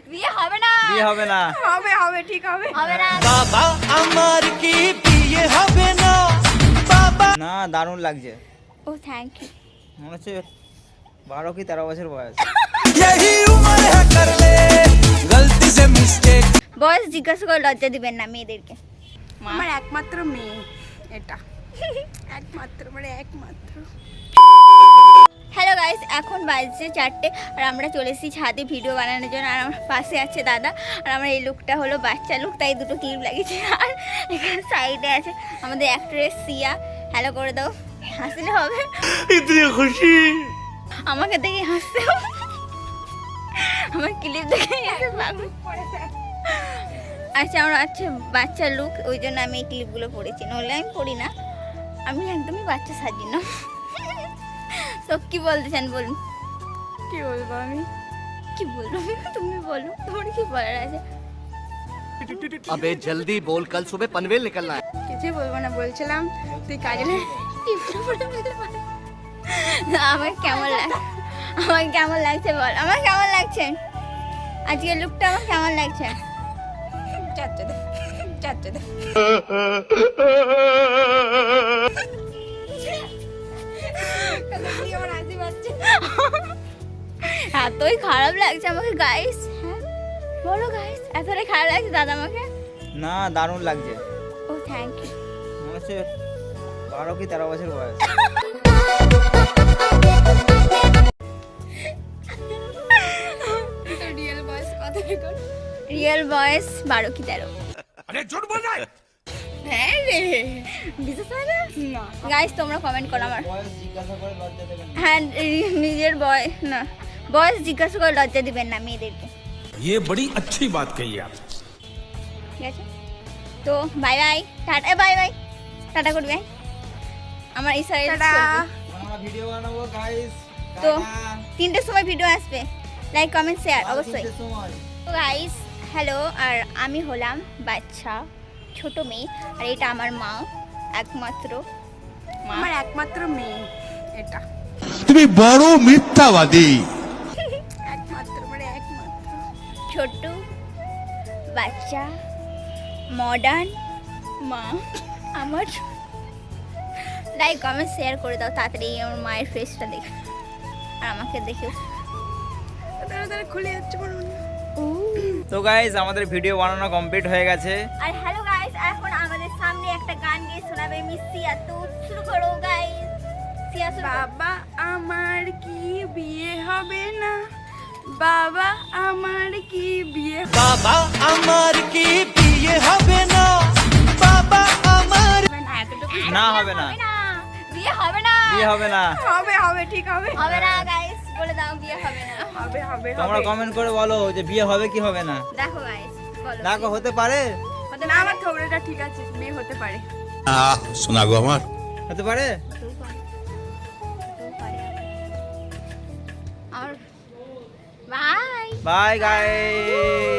বিয়ে হবে না, বিয়ে হবে না, হবে হবে ঠিক হবে। হবে না। বাবা আমার কি বিয়ে হবে না বাবা। না দারুণ লাগছে, ও থ্যাংক ইউ। মনে হচ্ছে 12 কি 13 বছর বয়স। यही उम्र है कर ले गलती से मिस्टेक। বয়স জিজ্ঞাসা করে লজ্জা দিবেন না মেয়েদেরকে। আমার একমাত্র মেয়ে এটা, একমাত্র মানে একমাত্র। হ্যালো গাইস, এখন বাজছে 4টে আর আমরা চলে এসেছি ছাদে ভিডিও বানানোর জন্য। আর আমার পাশে আছে দাদা, আর আমার এই লুকটা হলো বাচ্চা লুক, তাই দুটো ক্লিপ লাগিয়েছে। আর এখানে সাইডে আছে আমাদের অ্যাক্ট্রেস সিয়া। হ্যালো করে দাও, হাসলে হবে। इतनी खुशी আমাকে দেখে হাসতে হবে, আমার ক্লিপ দেখে হাসতে পাগল। আচ্ছা আমার আচ্ছা বাচ্চা লুক, ওই জন্য আমি এই ক্লিপগুলো পড়েছি, নইলে আমি পড়ি না, আমি একদমই বাচ্চা সাজি না। তো কি বলতে চান বলুন? কি বলবো আমি? কি বলবো তুমি বলো, তোমার কি বলার আছে? अबे जल्दी बोल कल सुबह पनवेल निकलना है। কিছুই বলবো না, বলছিলাম তুই কাজে লে। আমার কেমন লাগে, আমার কেমন লাগছে বল, আমার কেমন লাগছে আজকের লুকটা, আমার কেমন লাগছে? চাচ্চা দে, চাচ্চা দে। আমার হাসি পাচ্ছে। এতই খারাপ লাগছে আমাকে গাইস। হ্যাঁ বলো গাইস, এতটাই খারাপ লাগছে দাদা আমাকে? না দারুণ লাগছে, ও থ্যাংক ইউ। মনে হচ্ছে 12 কি 13 বছর বয়স। রিয়েল বয়স কত রেকর্ড? রিয়েল বয়স 12 কি 13। अरे झूठ बोल रहा है। হ্যাঁ রে, বিশ্বাস হয় না না গাইস? তোমরা কমেন্ট করো আমার। বয়স জিজ্ঞাসা করে লজ্জা দেবেন না। হ্যাঁ নিজের বয়স না, বয়স জিজ্ঞাসা করে লজ্জা দিবেন না মেয়েদেরকে, ये बड़ी अच्छी बात कही आप। ঠিক আছে? তো bye bye, tata, bye bye, tata করবি ভাই আমার এই সাইড। টাটা। আমরা ভিডিও বানাবো গাইস, তো 3টের সময় ভিডিও আসবে, লাইক কমেন্ট শেয়ার অবশ্যই। সময় তো গাইস হ্যালো, আর আমি হলাম বাচ্চা ছোট মেয়ে, আর এটা আমার মা, একমাত্র মা। আমার একমাত্র মেয়ে এটা, তুমি বড় মিথ্যাবাদী। একমাত্র মানে একমাত্র। ছোট্ট বাচ্চা মডার্ন মা আমার। লাইক কমেন্ট শেয়ার করে দাও তাড়াতাড়ি আমার মায়ের ফেসটা দেখে, আর আমাকে দেখেও। তাড়াতাড়ি খুলে যাচ্ছে মনে হয়। তো গাইস আমাদের ভিডিও বানানো কমপ্লিট হয়ে গেছে। আর হ্যালো গাইস, এখন আমাদের সামনে একটা গান গিয়ে শোনাবে মিস সিয়া। তো শুরু করো গাইস, সিয়া শুরু করো। বাবা আমার কি বিয়ে হবে না, বাবা আমার কি বিয়ে बाबा আমার কি বিয়ে হবে না বাবা আমার। হবে না? এতটুকু না হবে না, হবে না, বিয়ে হবে না, বিয়ে হবে না। হবে হবে ঠিক হবে, হবে না গাইস, বলে দাও বিয়ে হবে না। হবে হবে তোমরা হবে। কমেন্ট করে বলো যে বিয়ে হবে কি হবে না। দেখো গাইস বলো, দেখো হতে পারে, হতে না পারে? আমার থোবড়াটা ঠিক আছে, মেয়ে হতে পারে। শোনা গো আমার। হতে পারে। হতেও পারে, হতেও পারে। আর বাই। Bye guys.